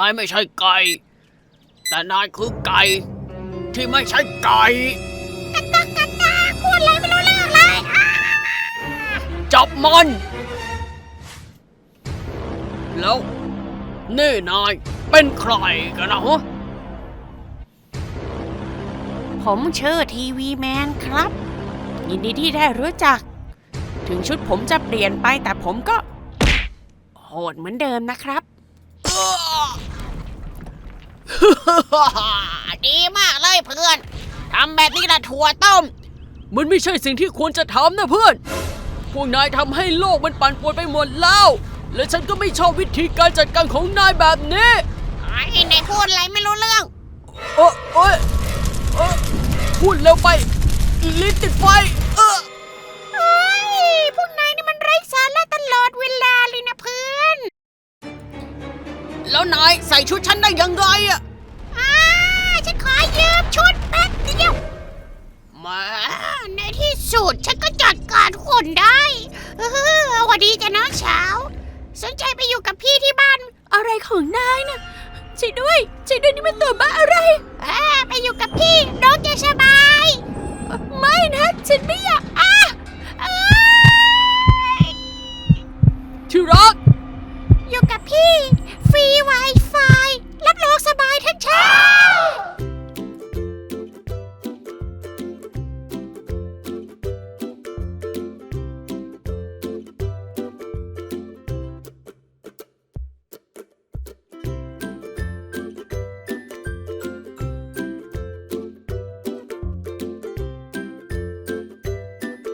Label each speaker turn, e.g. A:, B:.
A: ายไม่ใช่ไก่แต่นายคือไก่ที่ไม่ใช่ไก่
B: กันตาพูดอะไรไม่รู้เรื่องเลย
A: จับมันแล้วนี่นายเป็นใครกันนะฮะ
B: ผมชื่อทีวีแมนครับยินดีที่ได้รู้จักถึงชุดผมจะเปลี่ยนไปแต่ผมก็โหดเหมือนเดิมนะครับ ดีมากเลยเพื่อนทำแบบนี้ละถั่วต้ม
A: มันไม่ใช่สิ่งที่ควรจะทำนะเพื่อนพวกนายทำให้โลกมันปั่นป่วนไปหมดแล้วและฉันก็ไม่ชอบวิธีการจัดการของนายแบบนี้
B: ไอ้นายพูดอะไรไม่รู้เรื่อง
A: พูดเร็วไปลิ้นติดไฟ
B: พวกนายนี่มันไร้สาระตลอดเวลาเลยนะเพื่อน
A: แล้วนายใส่ชุดฉันได้ยังไงอะ
B: ฉันขอยืมชุดแป๊บเดียวมาในที่สุดฉันก็จัดการคนได้สวัสดีจ้ะน้องสาวสนใจไปอยู่กับพี่ที่บ้านอะไรของนายนะช่วยด้วยนี่มันตัวบ้าอะไรไปอยู่กับพี่น้องจะสบายไม่นะฉันไม่อย